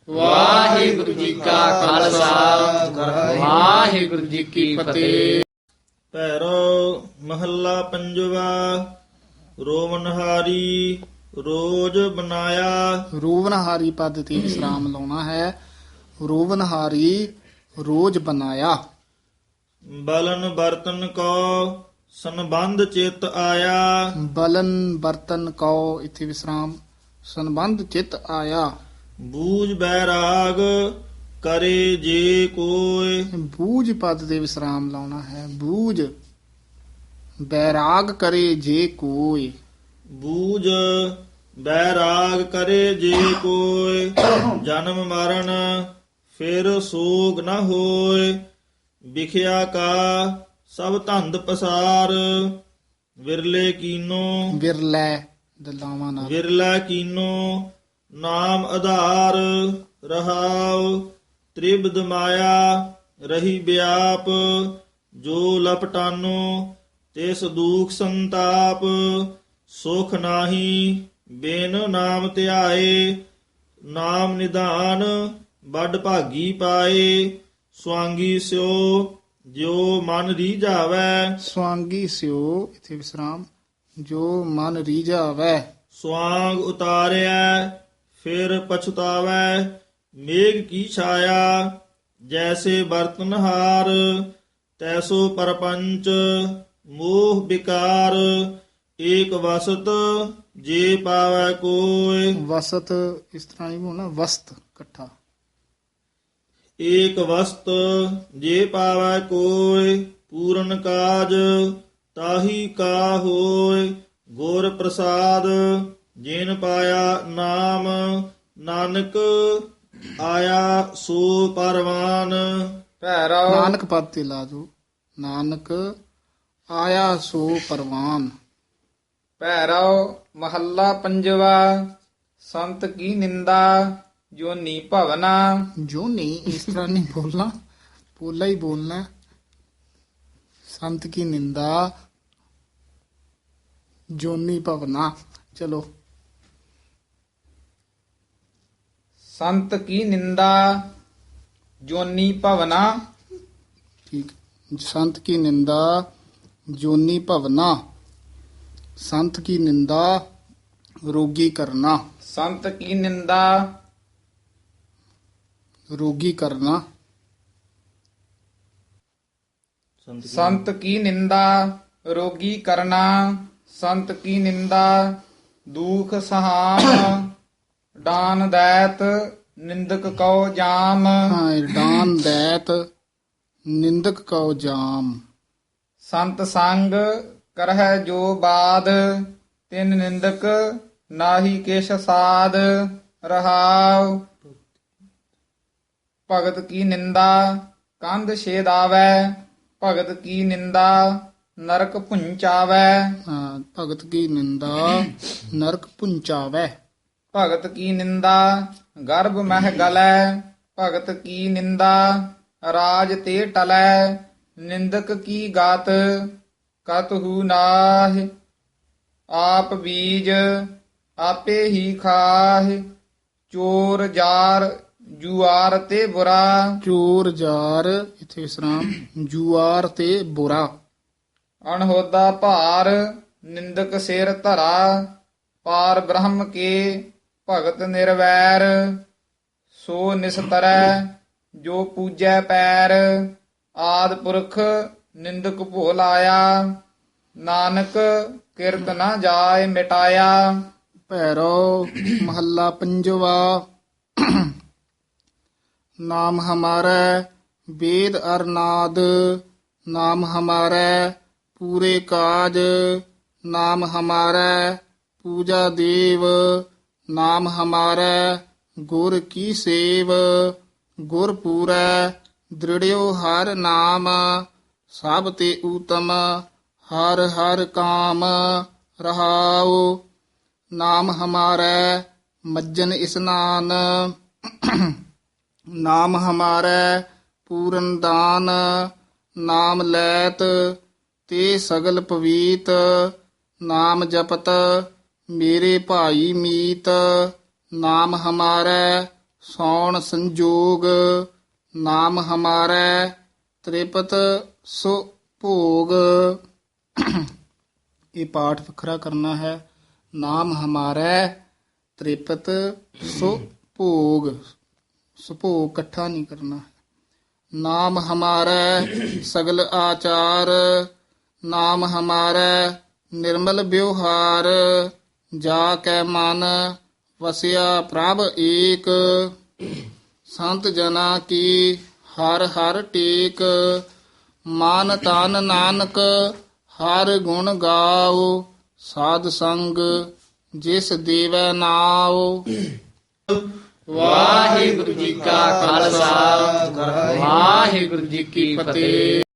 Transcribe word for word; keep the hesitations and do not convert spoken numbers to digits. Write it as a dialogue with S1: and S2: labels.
S1: ਵਾਹਿਗੁਰੂ ਜੀ ਕਾ ਖਾਲਸਾ ਵਾਹਿਗੁਰੂ ਜੀ ਕੀ ਫਤਿਹ।
S2: ਭੈਰੋ ਮਹੱਲਾ ਪੰਜਵਾ। ਰੋਵਨਹਾਰੀ ਰੋਜ ਬਨਾਇਆ।
S3: ਰੋਵਨਹਾਰੀ ਪਦ ਤੇ ਵਿਸਰਾਮ ਲਾਉਣਾ ਹੈ। ਰੋਵਨਹਾਰੀ ਰੋਜ ਬਨਾਇਆ।
S2: ਬਲਨ ਬਰਤਨ ਕੋ ਸੰਬੰਧ ਚਿਤ ਆਇਆ।
S3: ਬਲਨ ਬਰਤਨ ਕਉ ਇਥੇ ਵਿਸਰਾਮ ਸੰਬੰਧ ਚਿਤ ਆਇਆ।
S2: ਬੂਝ ਬੈਰਾਗ ਕਰੇ ਜੇ ਕੋਇ।
S3: ਬੂਝ ਪਦ ਤੇ ਵਿਸਰਾਮ ਲਾਉਣਾ ਹੈ। ਬੂਝ ਬੈਰਾਗ ਕਰੇ ਜੇ ਕੋਈ।
S2: ਬੂਝ ਬੈਰਾਗ ਕਰੇ ਜੇ ਕੋਇ। ਜਨਮ ਮਰਨ ਫਿਰ ਸੋਗ ਨ ਹੋਇ। ਵਿਖਿਆ ਕਾ ਸਭ ਧੰਦ ਪਸਾਰ। ਵਿਰਲੇ ਕੀਨੋ
S3: ਵਿਰਲੇ ਦਲਾਵਾਂ ਨਾਲ
S2: ਵਿਰਲਾ ਕੀਨੋ ਨਾਮ ਆਧਾਰ। ਰਹਾਉ ਤ੍ਰਿਬਦ ਮਾਇਆ ਰਹੀ ਵਿਆਪ। ਜੋ ਲਪਟਾਨੋ ਤਿਸ ਦੁਖ ਸੰਤਾਪ। ਸੁਖ ਨਾਹੀ ਬਿਨ ਨਾਮ ਧਿਆਏ। ਨਾਮ ਨਿਧਾਨ ਵੱਡ ਭਾਗੀ ਪਾਏ। ਸਵਾਂਗੀ ਸਿਓ ਜੋ ਮਨ ਰੀਝਾਵੈ।
S3: ਸਵਾਂਗੀ ਸਿਓ ਇਥੇ ਵਿਸਰਾਮ ਜੋ ਮਨ ਰੀਝਾਵੈ।
S2: ਸਵਾਂਗ ਉਤਾਰਿਆ ਫਿਰ ਪਛਤਾਵੈ। ਮੇਘ ਕੀ ਛਾਇਆ ਜੈਸੇ ਬਰਤਨਹਾਰ। ਤੈਸੋ ਪਰਪੰਚ ਮੋਹ ਵਿਕਾਰ। ਏਕ ਵਸਤ ਜੇ ਪਾਵੈ ਕੋਇ।
S3: ਵਸਤ ਇਸ ਤਰ੍ਹਾਂ ਨਹੀਂ ਬੋਲਣਾ ਵਸਤ ਇਕੱਠਾ।
S2: ਏਕ ਵਸਤ ਜੇ ਪਾਵੈ ਕੋਇ। ਪੂਰਨ ਕਾਜ ਤਾਹੀ ਕਾ ਹੋਇ। ਗੁਰ ਪ੍ਰਸਾਦ ਜਿਨ ਪਾਇਆ ਨਾਮ। ਨਾਨਕ ਆਇਆ ਸੋ ਪਰਵਾਨ।
S1: ਭੈਰੋ
S3: ਨਾਨਕ ਪਦ ਤੇ ਲਾ ਦੋ। ਨਾਨਕ ਆਇਆ ਸੋ ਪਰਵਾਨ।
S1: ਭੈਰੋ ਮਹੱਲਾ ਪੰਜਵਾ। ਸੰਤ ਕੀ ਨਿੰਦਾ ਜੋਨੀ ਭਵਨਾ।
S3: ਜੋ ਨਹੀਂ ਇਸ ਤਰ੍ਹਾਂ ਨਹੀਂ ਬੋਲਣਾ ਪੋਲਾ ਹੀ ਬੋਲਣਾ। ਸੰਤ ਕੀ ਨਿੰਦਾ ਜੋਨੀ ਭਵਨਾ। ਚਲੋ
S1: ਸੰਤ ਕੀ ਨਿੰਦਾ ਜੋਨੀ ਭਵਨਾ।
S3: ਠੀਕ। ਸੰਤ ਕੀ ਨਿੰਦਾ ਜੋਨੀ ਭਵਨਾ। ਸੰਤ ਕੀ ਨਿੰਦਾ ਰੋਗੀ ਕਰਨਾ।
S1: ਸੰਤ ਕੀ ਨਿੰਦਾ
S3: ਰੋਗੀ ਕਰਨਾ।
S1: ਸੰਤ ਕੀ ਨਿੰਦਾ ਰੋਗੀ ਕਰਨਾ। ਸੰਤ ਕੀ ਨਿੰਦਾ ਦੁਖ ਸਹਾਮ। ਡਾਨ ਦੈਤ ਨਿੰਦਕ ਕਉ ਜਾਮ।
S3: ਹਾਂ ਡਾਨ ਦੈਤ ਨਿੰਦਕ ਕਉ ਜਾਮ।
S1: ਸੰਤ ਸੰਗ ਕਰਹਿ ਜੋ ਬਾਦ। ਤਿਨ ਨਿੰਦਕ ਨਾਹੀ ਕਿਛ ਸਾਧ। ਰਹਾਉ ਭਗਤ ਕੀ ਨਿੰਦਾ ਕੰਧ ਛੇਦਾਵੈ। ਭਗਤ ਕੀ ਨਿੰਦਾ ਨਰਕ ਪੁੰਚਾਵੈ।
S3: ਹਾਂ ਭਗਤ ਕੀ ਨਿੰਦਾ ਨਰਕ ਪੁੰਚਾਵੈ।
S1: ਭਗਤ ਕੀ ਨਿੰਦਾ ਗਰਭ ਮਹਿ ਗਲੈ। ਭਗਤ ਕੀ ਨਿੰਦਾ ਰਾਜ ਤੇ ਟਲੈ। ਨਿੰਦਕ ਕੀ ਗਾਤ ਕਤਹੂ ਨਾਹਿ। ਆਪ ਬੀਜ ਆਪੇ ਹੀ ਖਾਹਿ। ਚੋਰ ਜਾਰ ਜੁਆਰ ਤੇ ਬੁਰਾ।
S3: ਚੋਰ ਜਾਰ ਇਥੇ ਵਿਸਰਾਮ ਜੁਆਰ ਤੇ ਬੁਰਾ।
S1: ਅਣਹੋਦਾ ਭਾਰ ਨਿੰਦਕ ਸਿਰ ਧਰਾ। ਪਾਰ ਬ੍ਰਹਮ ਕੇ ਭਗਤ ਨਿਰਵੈਰ। ਸੋ ਨਿਸਤਰੈ ਜੋ ਪੂਜੈ ਪੈਰ। ਆਦ ਪੁਰਖ ਨਿੰਦਕ ਭੁਲ ਆਇਆ। ਨਾਨਕ ਕਿਰਤ ਨਾ ਜਾਏ ਮਿਟਾਇਆ।
S3: ਭੈਰੋ ਮਹੱਲਾ ਪੰਜਵਾ। ਨਾਮ ਹਮਾਰਾ ਵੇਦ ਅਰਨਾਦ। ਨਾਮ ਹਮਾਰਾ ਪੂਰੇ ਕਾਜ। ਨਾਮ ਹਮਾਰਾ ਪੂਜਾ ਦੇਵ। ਨਾਮ ਹਮਾਰਾ ਗੁਰ ਕੀ ਸੇਵ। ਗੁਰ ਪੂਰੈ ਦ੍ਰਿੜਿਓ ਹਰ ਨਾਮ। ਸਭ ਤੇ ਊਤਮ ਹਰ ਹਰ ਕਾਮ। ਰਹਾਉ ਨਾਮ ਹਮਾਰਾ ਮੱਜਨ ਇਸਨਾਨ। ਨਾਮ ਹਮਾਰਾ ਪੂਰਨ ਦਾਨ। ਨਾਮ ਲੈਤ ਤੇ ਸਗਲ ਪਵੀਤ। ਨਾਮ ਜਪਤ ਮੇਰੇ ਭਾਈ ਮੀਤ। ਨਾਮ ਹਮਾਰਾ ਸੌਣ ਸੰਜੋਗ ਨਾਮ ਹਮਾਰੈ ਤ੍ਰਿਪਤ ਸੋ ਭੋਗ। ਇਹ ਪਾਠ ਵੱਖਰਾ ਕਰਨਾ ਹੈ। ਨਾਮ ਹਮਾਰੈ ਤ੍ਰਿਪਤ ਸੋ ਭੋਗ, ਸੁਭੋਗ ਇਕੱਠਾ ਨਹੀਂ ਕਰਨਾ। ਨਾਮ ਹਮਾਰੈ ਸਗਲ ਆਚਾਰ ਨਾਮ ਹਮਾਰੈ ਨਿਰਮਲ ਵਿਵਹਾਰ। ਜਾ ਕੈ ਮਨ ਵਸਿਆ ਪ੍ਰਭ ਏਕ ਸੰਤ ਜਨਾ ਕੀ ਹਰ ਹਰ ਟੇਕ। ਮਨ ਤਨ ਨਾਨਕ ਹਰ ਗੁਣ ਗਾਓ ਸਾਧ ਸੰਗ ਜਿਸ ਦੇਵੈ ਨਾਉ।
S1: ਵਾਹਿਗੁਰੂ ਜੀ ਕਾ ਖਾਲਸਾ ਵਾਹਿਗੁਰੂ ਜੀ ਕੀ ਫਤਿਹ।